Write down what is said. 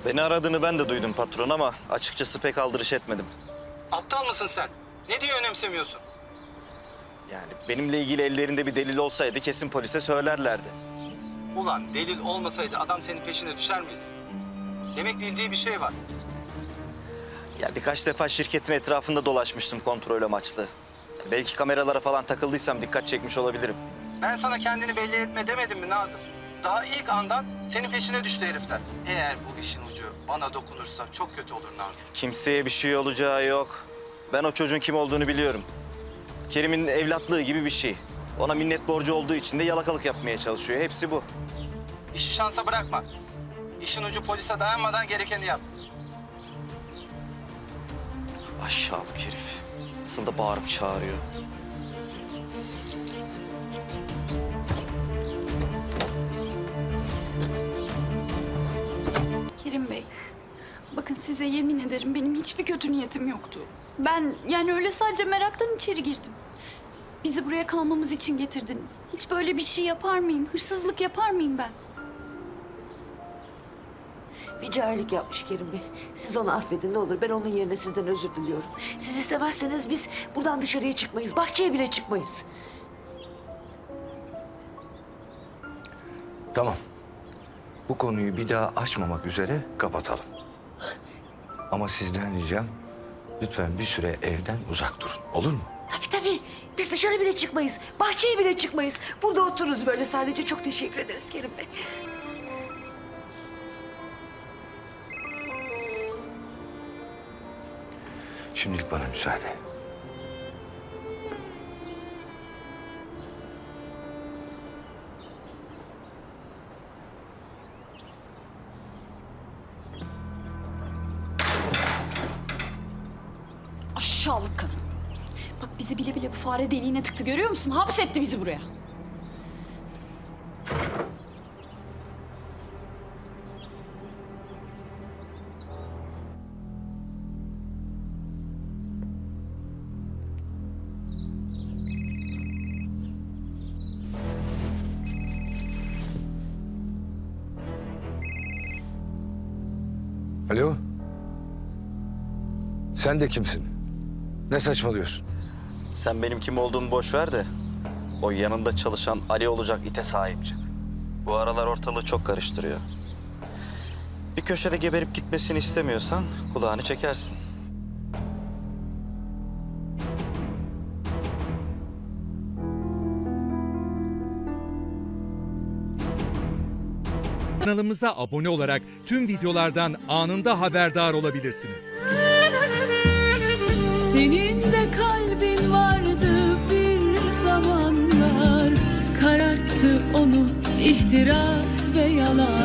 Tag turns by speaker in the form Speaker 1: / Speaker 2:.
Speaker 1: Beni aradığını ben de duydum patron ama açıkçası pek aldırış etmedim.
Speaker 2: Aptal mısın sen? Ne diye önemsemiyorsun?
Speaker 1: Yani benimle ilgili ellerinde bir delil olsaydı kesin polise söylerlerdi.
Speaker 2: Ulan delil olmasaydı adam senin peşine düşer miydi? Demek bildiği bir şey var.
Speaker 1: Ya birkaç defa şirketin etrafında dolaşmıştım kontrol amaçlı. Belki kameralara falan takıldıysam dikkat çekmiş olabilirim.
Speaker 2: Ben sana kendini belli etme demedim mi Nazım? Daha ilk andan senin peşine düştü herifler. Eğer bu işin ucu bana dokunursa çok kötü olur Nazım.
Speaker 1: Kimseye bir şey olacağı yok. Ben o çocuğun kim olduğunu biliyorum. Kerim'in evlatlığı gibi bir şey. Ona minnet borcu olduğu için de yalakalık yapmaya çalışıyor. Hepsi bu.
Speaker 2: İşi şansa bırakma. İşin ucu polise dayanmadan gerekeni yap.
Speaker 1: Aşağılık herif. Nasıl da bağırıp çağırıyor.
Speaker 3: Kerim Bey, bakın size yemin ederim benim hiçbir kötü niyetim yoktu. Ben yani öyle sadece meraktan içeri girdim. Bizi buraya kalmamız için getirdiniz. Hiç böyle bir şey yapar mıyım? Hırsızlık yapar mıyım ben?
Speaker 4: Bir cahillik yapmış Kerim Bey. Siz onu affedin ne olur. Ben onun yerine sizden özür diliyorum. Siz istemezseniz biz buradan dışarıya çıkmayız. Bahçeye bile çıkmayız.
Speaker 5: Tamam. Bu konuyu bir daha açmamak üzere kapatalım. Ama sizden ricam lütfen bir süre evden uzak durun. Olur mu?
Speaker 4: Tabii. Biz dışarı bile çıkmayız. Bahçeye bile çıkmayız. Burada otururuz böyle sadece. Çok teşekkür ederiz Kerim Bey.
Speaker 5: Şimdilik bana müsaade.
Speaker 3: Aşağılık kadın. Bak bizi bile bile bu fare deliğine tıktı görüyor musun? Hapsetti bizi buraya.
Speaker 5: Alo? Sen de kimsin? Ne saçmalıyorsun?
Speaker 1: Sen benim kim olduğumu boş ver de o yanında çalışan Ali olacak ite sahip çık. Bu aralar ortalığı çok karıştırıyor. Bir köşede geberip gitmesini istemiyorsan kulağını çekersin.
Speaker 6: Kanalımıza abone olarak tüm videolardan anında haberdar olabilirsiniz.
Speaker 7: Senin de kalbin vardı bir zamanlar, kararttı onu ihtiras ve yalan.